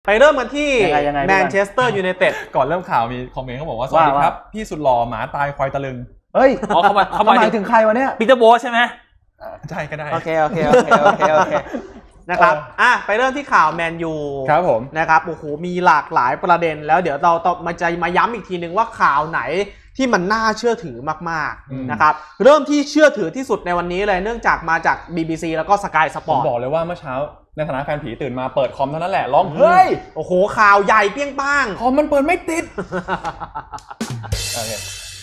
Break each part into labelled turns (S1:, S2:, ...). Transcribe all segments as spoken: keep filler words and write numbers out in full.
S1: ไปเริ่มกันที่แมนเชสเตอร์ยูไนเต็ด
S2: ก่อนเริ่มข่าวมีคอมเมนต์เขาบอกว่าสวัสดีครับพี่สุดหล่อหมาตายควายตะลึง
S3: เฮ้ย
S1: อ๋อเขามาเขา
S3: หมายถึงใครวะเนี่ย
S1: ปีเตอร์โบสใช่ไหม
S2: ใช่ก็ได้
S1: โอเคโอเคโอเคโอเคโอเคนะครับอ่ะไปเริ่มที่ข่าวแมนยู
S2: ครับผม
S1: นะครับโอ้โหมีหลากหลายประเด็นแล้วเดี๋ยวเราต้องมาจะมาย้ำอีกทีนึงว่าข่าวไหนที่มันน่าเชื่อถือมากๆนะครับเริ่มที่เชื่อถือที่สุดในวันนี้เลยเนื่องจากมาจาก บี บี ซี แล้วก็ Sky Sport
S2: ผมบอกเลยว่าเมื่อเช้าในฐานะแฟนผีตื่นมาเปิดคอมเท่านั้นแหละร้องเฮ้ย
S1: โอ้โหข่าวใหญ่เปี้ยงป้าง
S2: คอมมันเปิดไม่ติดโอเค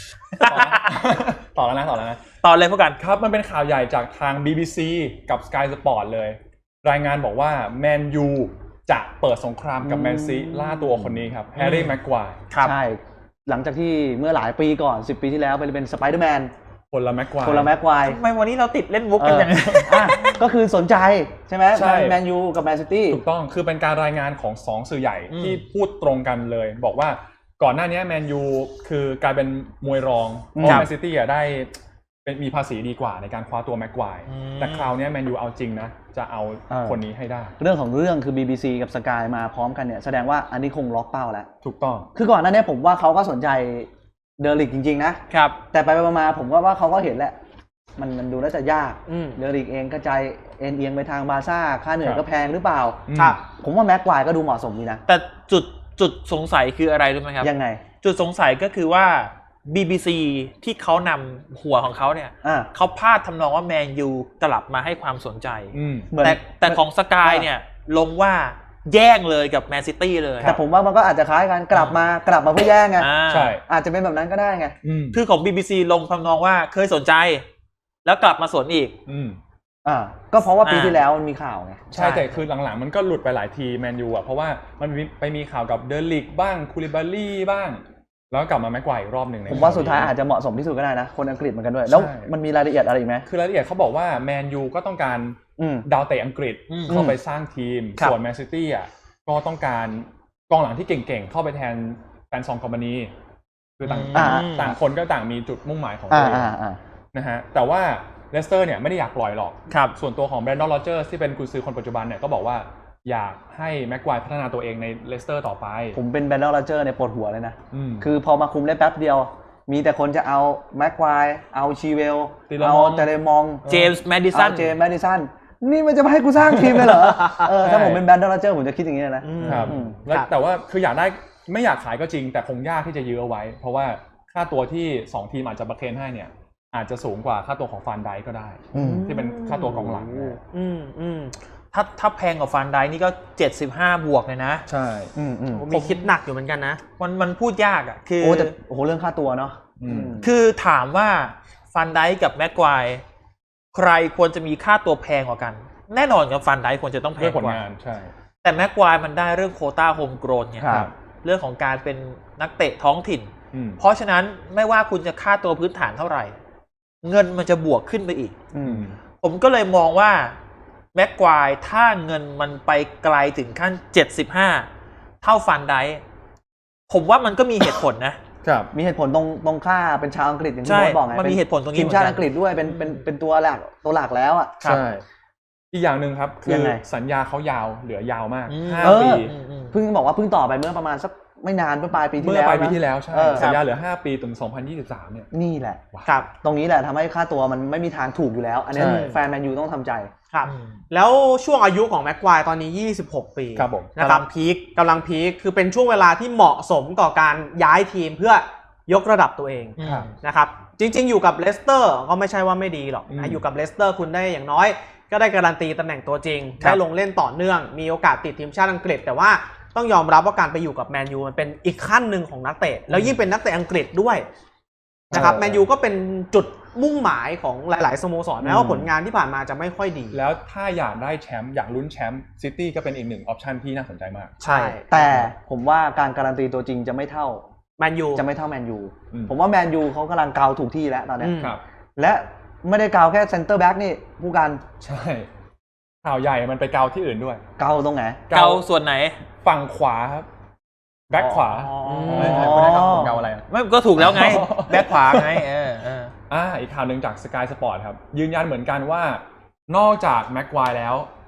S2: ต่อแล้วนะต่อแล้วนะ
S1: ต่อเลยพวกกัน
S2: ครับมันเป็นข่าวใหญ่จากทาง บี บี ซี กับ Sky Sport เลยรายงานบอกว่าแมนยูจะเปิดสงครามกับแมนซีล่าตัวคนนี้ครับแฮร์รี่แม็กควาย
S3: ใช่หลังจากที่เมื่อหลายปีก่อนสิบปีที่แล้วไปเป็นสไปเดอร์แมน
S2: คนละแม็กควาย
S3: คนละแม็กควาย
S1: ทำไมวันนี้เราติดเล่นมุกกันอย่างนี้
S3: ก็คือสนใจใช่ไหมแมนยูกับแมนซิตี้
S2: ถูกต้องคือเป็นการรายงานของสองสื่อใหญ่ที่พูดตรงกันเลยบอกว่าก่อนหน้านี้แมนยูคือกลายเป็นมวยรองเพราะแมนซิตี้ได้เป็นมีภาษีดีกว่าในการคว้าตัวแม็กควายแต่คราวนี้แมนยูเอาจริงนะจะเอาคนนี้ให้ได้
S3: เรื่องของเรื่องคือ บี บี ซี กับ Sky มาพร้อมกันเนี่ยแสดงว่าอันนี้คงล็อกเป้าแล้ว
S2: ถูกต้อง
S3: คือก่อนหน้านี้ผมว่าเขาก็สนใจเดลิกจริงๆนะครับแต่ไปๆมาๆผมก็ว่าเขาก็เห็นแหละมันมันดูแล้วจะยากเดลิกเองกระจายเอ็นเอียงไปทางบาร์ซ่าค่าเหนื่อยก็แพงหรือเปล่าครับผมว่าแม็กควายก็ดูเหมาะสมดีนะ
S1: แต่จุดจุดสงสัยคืออะไรรู้ไหมครับ
S3: ยังไง
S1: จุดสงสัยก็คือว่า บี บี ซี ที่เขานำหัวของเขาเนี่ยเขาพาดทำนองว่าแมนยูกลับมาให้ความสนใจแต่แต่ของสกายเนี่ยลงว่าแย่งเลยกับแมนซิตี้เลย
S3: แต่ผมว่ามันก็อาจจะคล้ายกันกลับมากลับมาเพื่อแย่งไงใช่อาจจะเป็นแบบนั้นก็ได้ไง
S1: คือของ บี บี ซี ลงทำนองว่าเคยสนใจแล้วกลับมาสนอีก
S3: อ่าก็เพราะว่าปีที่แล้วมันมีข่าวไง
S2: ใช่แต่คือหลังๆมันก็หลุดไปหลายทีแมนยูอ่ะเพราะว่ามันไปมีข่าวกับเดลิกบ้างคูลิบาลี่บ้างแล้วกลับมาแม็กควายอีกรอบหนึ่ง
S3: ผมว่าสุดท้ายอาจจะเหมาะสมที่สุดก็ได้นะคนอังกฤษเหมือนกันด้วยแล้วมันมีรายละเอียดอะไรอีกไหม
S2: คือรายละเอียดเขาบอกว่าแมนยูก็ต้องการดาวเตะอังกฤษเข้าไปสร้างทีมส่วนแมนซิตี้อ่ะก็ต้องการกองหลังที่เก่งๆเข้าไปแทนแฟนซองคอมพานีคือต่างต่างคนก็ต่างมีจุดมุ่งหมายของตัวเองนะฮะแต่ว่าเลสเตอร์เนี่ยไม่ได้อยากปล่อยหรอกส่วนตัวของแบรนดอน โรเจอร์สที่เป็นกุนซือคนปัจจุบันเนี่ยก็บอกว่าอยากให้แม็กควายพัฒนาตัวเองในเลสเตอร์ต่อไป
S3: ผมเป็นแบรนดอน โรเจอร์ในปวดหัวเลยนะคือพอมาคุมได้แป๊บเดียวมีแต่คนจะเอาแม็กควายเอาชีเวลเอาเจเรมอง
S1: เจมส์แมดิสัน
S3: เจมส์แมดิสันนี่มันจะมาให้กูสร้างทีมเลยเหรอเออถ้าผมเป็นแบรนดอน โรเจอร์ผมจะคิดอย่างนี้นะครับ
S2: แต่ว่าคืออยากได้ไม่อยากขายก็จริงแต่คงยากที่จะยื้อเอาไว้เพราะว่าค่าตัวที่สองทีมอาจจะประเคนให้เนี่ยอาจจะสูงกว่าค่าตัวของฟานไดก็ได้ที่เป็นค่าตัวกองหลัง
S1: อืมอืมถ้าถ้าแพงกว่าฟานไดนี่ก็เจ็ดสิบห้าบวกเลยนะ
S2: ใช่
S1: อืมอืมผมคิดหนักอยู่เหมือนกันนะมันมันพูดยากอ่ะคือ
S3: โอ้แต่โอ้โหเรื่องค่าตัวเนาะ
S1: คือถามว่าฟานไดกับแม็กควายใครควรจะมีค่าตัวแพงกว่ากันแน่นอนกับฟานไดควรจะต้องแพงกว่า
S2: ใช่
S1: แต่แม็กควายมันได้เรื่องโควต้าโฮมโกรนไงเรื่องของการเป็นนักเตะท้องถิ่นเพราะฉะนั้นไม่ว่าคุณจะค่าตัวพื้นฐานเท่าไหร่เงินมันจะบวกขึ้นไปอีกผมก็เลยมองว่าแม็กควายถ้าเงินมันไปไกลถึงขั้นเจ็ดสิบห้าเท่าฟันไดผมว่ามันก็มีเหตุผลนะครับ
S3: มีเหตุผลตรงตรงค่าเป็นชาวอังกฤษอย่างที่ผมบอกไง
S1: มันมีเหตุผลตรงนี้
S3: ทีมชาติอังกฤษด้วยเป็นเป็นเป็นตัวหลักตัวหลักแล้วอ่ะ
S2: ใช่อีกอย่างหนึ่งครับคือสัญญาเขายาวเหลือยาวมากห้าปี
S3: เพิ่งบอกว่าเพิ่งต่อไปเมื่อประมาณสักไม่นานเมื่อปลายปีที่แล้ว
S2: เมื่อปลายปีที่แล้วใช่สัญญาเหลือห้าปีถึงสองพันยี่สิบสามเนี่ย
S3: นี่แหละครับตรงนี้แหละทำให้ค่าตัวมันไม่มีทางถูกอยู่แล้วอันนี้แฟนแมนยูต้องทำใจ
S1: ครับแล้วช่วงอายุของแม็กควายตอนนี้ยี่สิบหกปีนะครับพีคกำลังพีคคือเป็นช่วงเวลาที่เหมาะสมต่อการย้ายทีมเพื่อยกระดับตัวเองนะครับจริงๆอยู่กับเลสเตอร์ก็ไม่ใช่ว่าไม่ดีหรอกนะอยู่กับเลสเตอร์คุณได้อย่างน้อยก็ได้การันตีตำแหน่งตัวจริงได้ลงเล่นต่อเนื่องมีโอกาสติดทีมชาติอังกฤษแต่ว่าต้องยอมรับว่าการไปอยู่กับแมนยูมันเป็นอีกขั้นหนึ่งของนักเตะแล้วยิ่งเป็นนักเตะอังกฤษด้วยนะครับแมนยูก็เป็นจุดมุ่งหมายของหลายๆสโมสรแม้ว่าผลงานที่ผ่านมาจะไม่ค่อยดี
S2: แล้วถ้าอยากได้แชมป์อยากลุ้นแชมป์ซิตี้ก็เป็นอีกหนึ่งออปชันที่น่าสนใจมาก
S3: ใช่แต่ผมว่าการการันตีตัวจริงจะไม่เท่า
S1: แมนยู
S3: จะไม่เท่าแมนยูผมว่าแมนยูเขากำลังเกาถูกที่แล้วตอนนี้และไม่ได้เกาแค่เซนเตอร์แบ็กนี่ผู้การ
S2: ใช่ข่าวใหญ่มันไปเกาที่อื่นด้วย
S3: เกาตรงไหน
S1: เกาส่วนไหน
S2: ฝั่งขวาครับแบ็คขวาไม่ใช่ไม่ได้ครับผมเกาอะไร
S1: ไม่ก็ถูกแล้วไงแบ็คขวาไงเออเออ
S2: อ่าอีกข่าวหนึ่งจาก Sky Sport ครับยืนยันเหมือนกันว่านอกจากแม็กควายแล้ว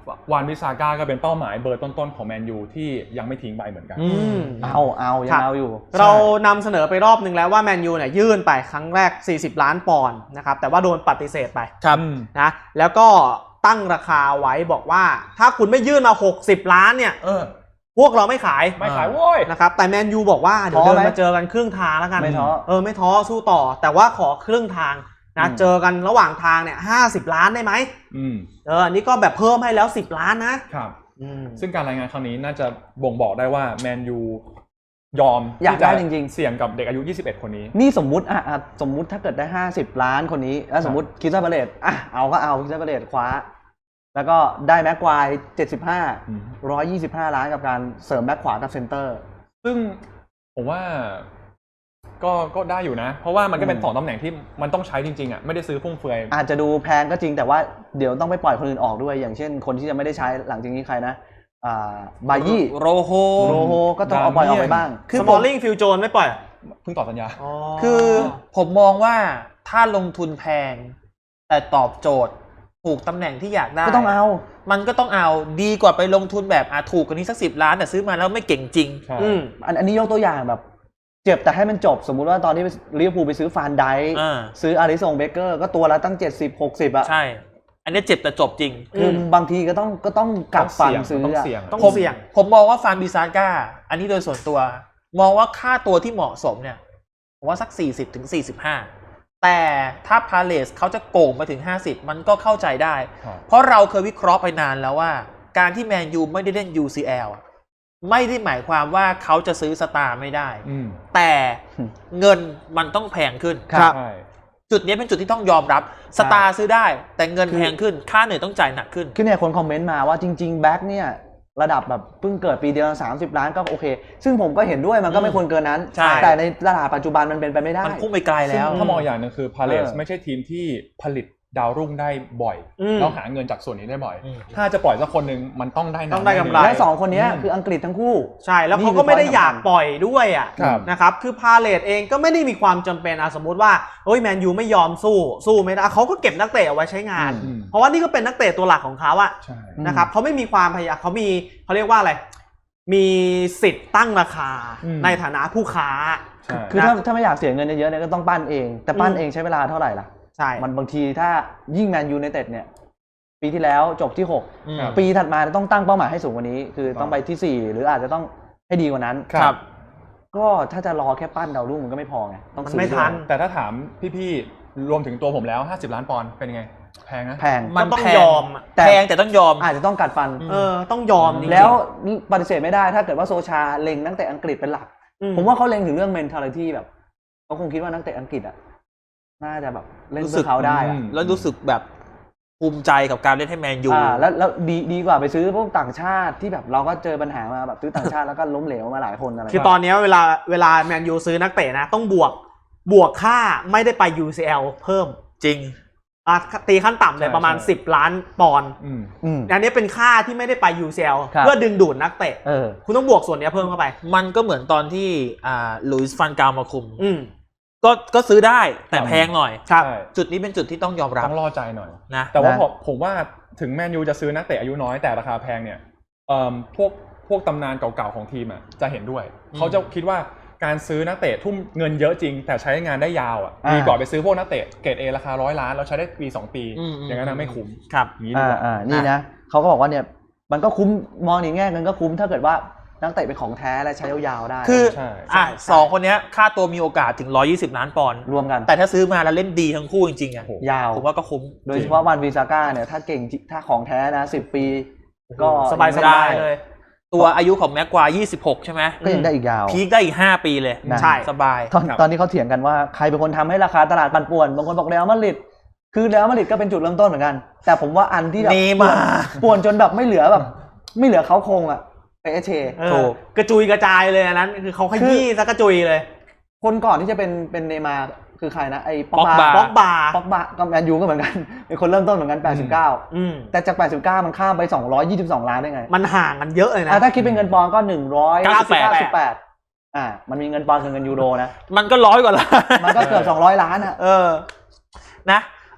S2: วานบิซาก้าก็เป็นเป้าหมายเบอร์ต้นๆของแมนยูที่ยังไม่ทิ้งไปเหมือนกัน
S3: เอาเอายังเอาอยู่
S1: เรานำเสนอไปรอบนึงแล้วว่าแมนยูเนี่ยยื่นไปครั้งแรกสี่สิบล้านปอนด์นะครับแต่ว่าโดนปฏิเสธไป
S3: ครับ
S1: นะแล้วก็ตั้งราคาไว้บอกว่าถ้าคุณไม่ยื่นมาหกสิบล้านเนี่ยพวกเราไม่ขาย
S2: ไม่ขายโว้ย
S1: นะครับแต่แมนยูบอกว่าเดี๋ยวเดินมาเจอกันครึ่งทางแล้วกัน
S3: ไม่ท้อ
S1: เออไม่ท้อสู้ต่อแต่ว่าขอครึ่งทางนะเจอกันระหว่างทางเนี่ยห้าสิบล้านได้ไหมเออนี่ก็แบบเพิ่มให้แล้วสิบล้านนะครับ
S2: ซึ่งการรายงานครั้งนี้น่าจะบ่งบอกได้ว่าแมนยูยอม
S3: อยากได้จริง
S2: ๆเสี่ยงกับเด็กอายุยี่สิบเอ็ดคนนี้
S3: นี่สมมุติอ่ะสมมุติถ้าเกิดได้ห้าสิบล้านคนนี้แล้วสมมุติคิสซาบาเลตอ่ะเอาก็เอาคิสซาบาเลตคว้าแล้วก็ได้แม็กควายเจ็ดสิบห้า หนึ่งร้อยยี่สิบห้าล้านกับการเสริมแบ็คขวากับเซนเตอร์
S2: ซึ่งผมว่าก็ก็ได้อยู่นะเพราะว่ามันก็เป็นสองตำแหน่งที่มันต้องใช้จริงๆอ่ะไม่ได้ซื้อฟุ่มเฟือย
S3: อาจจะดูแพงก็จริงแต่ว่าเดี๋ยวต้องไปปล่อยคนอื่นออกด้วยอย่างเช่นคนที่จะไม่ได้ใช้หลังจากนี้ใครนะอ่าบายี่
S1: โรโฮ
S3: โรโฮก็ต้องเอาปล่อยออกไปบ้าง
S1: คือสมอลลิงฟิลโจนไม่ปล่อย
S2: เพิ่งต่อสัญญา
S4: คือผมมองว่าถ้าลงทุนแพงแต่ตอบโจทย์ถูกตำแหน่งที่อยากได้
S3: ก็ต้องเอา
S4: มันก็ต้องเอาดีกว่าไปลงทุนแบบอ่ะถูกกว่านี้สักสิบล้านแต่ซื้อมาแล้วไม่เก่งจริง
S3: อืมอันนี้ยกตัวอย่างแบบเจ็บแต่ให้มันจบสมมุติว่าตอนที่ลิเวอร์พูลไปซื้อฟานไดค์ซื้ออาริสันเบเกอร์ก็ตัวละตั้งเจ็ดสิบ หกสิบอ่ะ
S4: ใช่อันนี้เจ็บแต่จบจริง
S3: คือบางทีก็ต้องก็ต้องกลับฟันซื้อต้องเสี่ยง
S4: ต้องเสี่ยงผมมองว่าฟานบิซาก้าอันนี้โดยส่วนตัวมองว่าค่าตัวที่เหมาะสมเนี่ยผมว่าสัก สี่สิบถึงสี่สิบห้าแต่ถ้าพาเลสเขาจะโก่งมาถึงห้าสิบมันก็เข้าใจได้เพราะเราเคยวิเคราะห์ไปนานแล้วว่าการที่แมนยูไม่ได้เล่น ยู ซี แอล ไม่ได้หมายความว่าเขาจะซื้อสตาร์ไม่ได้แต่เงินมันต้องแพงขึ้น
S3: ครับ
S4: จุดนี้เป็นจุดที่ต้องยอมรับสตาร์ซื้อได้แต่เงินแพงขึ้นค่าเหนื่อยต้องจ่ายหนักขึ้น
S3: คือเนี่ยคนคอมเมนต์มาว่าจริงๆแบ็คเนี่ยระดับแบบเพิ่งเกิดปีเดียวสามสิบล้านก็โอเคซึ่งผมก็เห็นด้วยมันก็ไม่ควรเกินนั้นแต่ในตลาดปัจจุบันมันเป็นไปไม่ได้
S4: มันพุ่งไปไกลแล้ว
S2: ถ้ามองอย่างนึงคือพาเลสไม่ใช่ทีมที่ผลิตดาวรุ่งได้บ่อยแล้วหาเงินจากส่วนนี้ได้บ่อยถ้าจะปล่อยสักคนนึงมันต้องได้
S1: ต้องได้กำไร
S3: และสองคนนี้คืออังกฤษทั้งคู่
S1: ใช่แล้วเขาก็ไม่ได้อยากปล่อยด้วยอ่ะนะครับคือพาเลสเองก็ไม่ได้มีความจำเป็นอ่ะสมมติว่าเฮ้ยแมนยูไม่ยอมสู้สู้ไม่ได้เขาก็เก็บนักเตะเอาไว้ใช้งานเพราะว่านี่ก็เป็นนักเตะตัวหลักของเขาอ่ะนะครับเขาไม่มีความพยายามเขามีเขาเรียกว่าอะไรมีสิทธิ์ตั้งราคาในฐานะผู้ค้า
S3: คือถ้าถ้าไม่อยากเสียเงินเยอะๆเนี่ยก็ต้องปั้นเองแต่ปั้นเองใช้เวลาเท่าไหร่ล่ะ
S1: ใช่
S3: มันบางทีถ้ายิ่งแมนยูไนเต็ดเนี่ยปีที่แล้วจบที่หกปีถัดมาต้องตั้งเป้าหมายให้สูงกว่านี้คือต้องไปที่สี่หรืออาจจะต้องให้ดีกว่านั้น
S1: ครับ
S3: ก็ถ้าจะรอแค่ปั้นดาวรุ่งมันก็ไม่พอไง
S1: ต้องไม่ทัน
S2: แต่ถ้าถามพี่ๆรวมถึงตัวผมแล้วห้าสิบล้านปอนด์เป็นยังไงแพงนะ
S3: แพง
S4: มันต้องยอมแพงแต่ต้องยอม
S3: อาจจะต้องกัดฟัน
S1: เออต้องยอม
S3: แล้วนี่ปฏิเสธไม่ได้ถ้าเกิดว่าโซชาเล็งนักเตะอังกฤษเป็นหลักผมว่าเขาเล็งถึงเรื่อง mentality แบบเขาคงคิดว่านักเตะอังกฤษอ่ะน่าจะแบบเล่นเพื่อเขาได้อะ
S4: แล้วรู้สึกแบบภูมิใจกับการเล่นให้แมนยู
S3: อ่าแล้วแล้วดีดีกว่าไปซื้อพวกต่างชาติที่แบบเราก็เจอปัญหามาแบบซื้อต่างชาติแล้วก็ล้มเหลวมาหลายคนอะไร
S1: คือตอนนี้เวลาเวลาแมนยูซื้อนักเตะนะต้องบวกบวกค่าไม่ได้ไป ยู ซี แอล เพิ่ม
S4: จริง
S1: อ่ะตีขั้นต่ำเลยประมาณสิบล้านปอนด์อันนี้เป็นค่าที่ไม่ได้ไป ยู ซี แอล เพื่อดึงดูดนักเตะคุณต้องบวกส่วนนี้เพิ่มเข้าไป
S4: มันก็เหมือนตอนที่อ่าลุยส์ฟันกาลมาคุมก็ก็ซื้อได้แต่แพงหน่อยจุดนี้เป็นจุดที่ต้องยอมรับ
S2: ต้องรอใจหน่อย
S4: นะ
S2: แต่ว่าผมผมว่าถึงแมนยูจะซื้อนักเตะอายุน้อยแต่ราคาแพงเนี่ยเอ่อพวกพวกตำนานเก่าๆของทีมอ่ะจะเห็นด้วยเขาจะคิดว่าการซื้อนักเตะทุ่มเงินเยอะจริงแต่ใช้งานได้ยาวอ่ะดีกว่าไปซื้อพวกนักเตะเกรด A ราคาร้อยล้านแล้วใช้ได้ปีสองปีอย่างนั้นไม่คุ้ม
S4: ครับ
S3: นี้ดีกว่าอ่านี่นะเขาก็บอกว่าเนี่ยมันก็คุ้มมองในแง่เงินก็คุ้มถ้าเกิดว่านักเตะเป็นของแท้และใช้ยาวๆได้
S4: คืออ่ะสองคนนี้ค่าตัวมีโอกาสถึงหนึ่งร้อยยี่สิบล้านปอนด์
S3: รวมกัน
S4: แต่ถ้าซื้อมาแล้วเล่นดีทั้งคู่จริงๆอ่ะ
S3: ยาว
S4: ผมว่าก็คุ้ม
S3: โดยเฉพาะวันวิซาก้าเนี่ยถ้าเก่งถ้าของแท้นะสิบปีก็
S1: สบายๆเลย
S4: ตัวอายุของแม็กควายยี่สิบหกใช่ไหม
S3: ก็ยังได้อีกยาว
S4: พีคได้อีกห้าปีเลยใช่สบาย
S3: ตอนตอนนี้เขาเถียงกันว่าใครเป็นคนทำให้ราคาตลาดปั่นป่วนบางคนบอกเรอัลมาดริดคือเรอัลมาดริดก็เป็นจุดเริ่มต้นเหมือนกันแต่ผมว่าอันที่แบบป่วนจนแบบไม่เหลือแบบไม่เหลือเขาคงอ่ะเอเช
S1: ถูกกระจุยกระจายเลยอันนั้นคือเขาขยี้ซะกระจุยเลย
S3: คนก่อนที่จะเป็นเป็นเนย์มาร์คือใครนะไอ้
S1: ป๊อกบาป๊อกบา
S3: ป๊อกบาก็แมนยูก็เหมือนกันเป็นคนเริ่มต้นเหมือนกันแปดสิบเก้าอืมแต่จากแปดสิบเก้ามันข้ามไปสองร้อยยี่สิบสองล้านได้ไง
S1: มันห่างกันเยอะเลยนะ
S3: ถ้าคิดเป็นเงินปอนด์ก็หนึ่งร้อยเก้าสิบแปดอ่ามันมีเงินปอนด์กับเงินยูโรนะ
S4: มันก็ร้อยกว่าล้าน
S3: มันก็เกือบสองร้อยล้านอ่ะ
S4: เออนะโ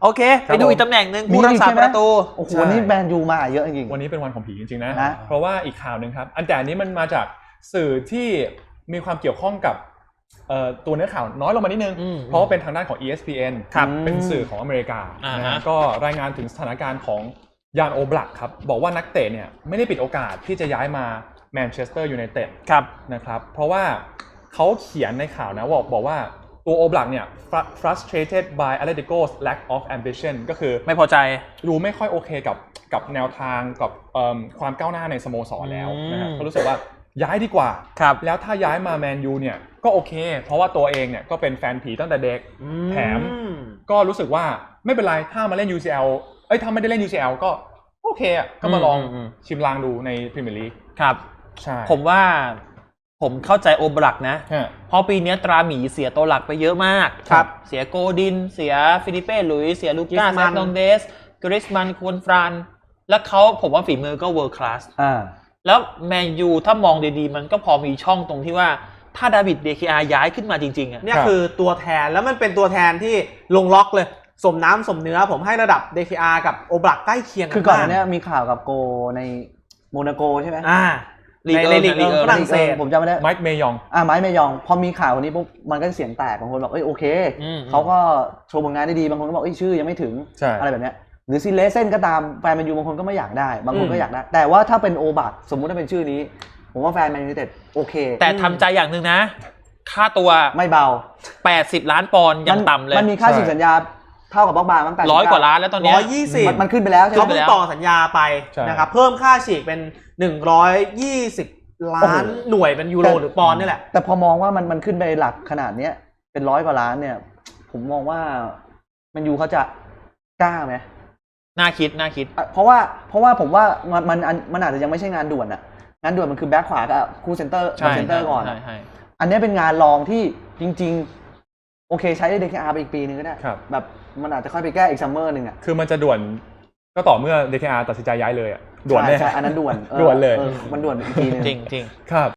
S4: โอเค ไปดูอีกตำแหน่งหนึ่งผู้รักษาประตู
S3: โอ้โหนี่แมนยูมาเยอะจริง
S2: วันนี้เป็นวันของผีจริงๆนะ
S3: นะ
S2: เพราะว่าอีกข่าวหนึ่งครับอันแต่อันนี้มันมาจากสื่อที่มีความเกี่ยวข้องกับตัวเนื้อข่าวน้อยลงมานิดนึงเพราะว่าเป็นทางด้านของ อี เอส พี เอ็น เป็นสื่อของอเมริกานะฮะก็รายงานถึงสถานการณ์ของยานโอบลักครับบอกว่านักเตะเนี่ยไม่ได้ปิดโอกาสที่จะย้ายมาแมนเชสเตอร์ยูไนเต็ดนะครับเพราะว่าเขาเขียนในข่าวนะบอกบอกว่าตัวโอบลักเนี่ย frustrated by Atletico's lack of ambition ก็คือ
S4: ไม่พอใจ
S2: ดูไม่ค่อยโอเคกับกับแนวทางกับความก้าวหน้าในสโมสรแล้วนะครับก็รู้สึกว่าย้ายดีกว่าแล้วถ้าย้ายมาแมนยูเนี่ยก็โอเคเพราะว่าตัวเองเนี่ยก็เป็นแฟนผีตั้งแต่เด็กแถมก็รู้สึกว่าไม่เป็นไรถ้ามาเล่น ยู ซี แอล เอ้ยถ้าไม่ได้เล่น ยู ซี แอล ก็โอเคอ่ะก็มาลองชิมลางดูในพรีเมียร์ลีก
S4: ครับ
S2: ใช่
S4: ผมว่าผมเข้าใจโอบลักนะเพราะปีนี้ตราหมีเสียตัวหลักไปเยอะมาก
S1: ครับ
S4: เสียโกดินเสียฟิลิเป้หลุยเสียลูก้าแซคโนเดสกริสมันควนฟรานแล้วเขาผมว่าฝีมือก็เวิร์คคลาสแล้วแมนยูถ้ามองดีๆมันก็พอมีช่องตรงที่ว่าถ้าดาวิดเดคิอาย้ายขึ้นมาจริงๆอ่ะ
S1: เนี่ยคือตัวแทนแล้วมันเป็นตัวแทนที่ลงล็อกเลยสมน้ำสมเนื้อผมให้ระดับ เด เค อาร์ กับโอบลักใกล้เคียงกัน
S3: คือก่อนหน้านี้มีข่าวกับโกในโมนาโกใช่ไหม
S1: อ่าในลีกฝรั่งเศส
S3: ผมจำไม่ได้
S2: ไมค์เมยอง
S3: อ่าไมค์เมยองพอมีข่าววันนี้ปุ๊บมันก็เสียงแตกบางคนบอกเอ้ยโอเคเขาก็โชว์ผลงานได้ดีบางคนก็บอกเอ้ยชื่อยังไม่ถึงอะไรแบบเนี้ยหรือซิเลเซนก็ตามแฟนแมนยูบางคนก็ไม่อยากได้บางคนก็อยากได้แต่ว่าถ้าเป็นโอบักสมมุติถ้าเป็นชื่อนี้ผมว่าแฟนแมนยูไนเต็ดโอเค
S4: แต่ทำใจอย่างหนึ่งนะค่าตัว
S3: ไม่เบา
S4: แปดสิบล้านปอนด์ยังต่ำเลย
S3: มันมีค่าสินสัญญาเท่ากับบ็อกบาร์มั้งแต่
S4: ร้อยกว่าล้านแล้วตอนนี้
S1: ร้อยยี่สิบ
S3: มันขึ้นไปแล้ว
S1: เขาเพิ่งต่อสัญญาไปนะครับเพิ่มค่าฉีกเป็นหนึ่งร้อยยี่สิบล้านหน่วยเป็นยูโรหรือปอนด์นี่แหละ
S3: แต่พอมองว่ามันมันขึ้นไปหลักขนาดเนี้ยเป็นร้อยกว่าล้านเนี่ยผมมองว่าแมนยูเขาจะกล้าไหม
S4: น่าคิดน่าคิด
S3: เพราะว่าเพราะว่าผมว่ามันมันมันอาจจะยังไม่ใช่งานด่วนอะงานด่วนมันคือแบ็คขวากับคู่เซนเตอร์เซนเตอร์ก่อนอันนี้เป็นงานรองที่จริงๆโอเคใช้ เด เค อาร์ ไปอีกปีนึงก็ได้แบบมันอาจจะค่อยไปแก้อีกซัมเมอร์นึงอะ
S2: คือมันจะด่วนก็ต่อเมื่อ เด เค อาร์ ตัดสินใจย้ายเลยอะด่วนแน่
S3: อันนั้นด่วน
S2: ด่วนเลย
S3: มันด่วนอีกทีนึง
S4: จริงจริง
S2: ครับ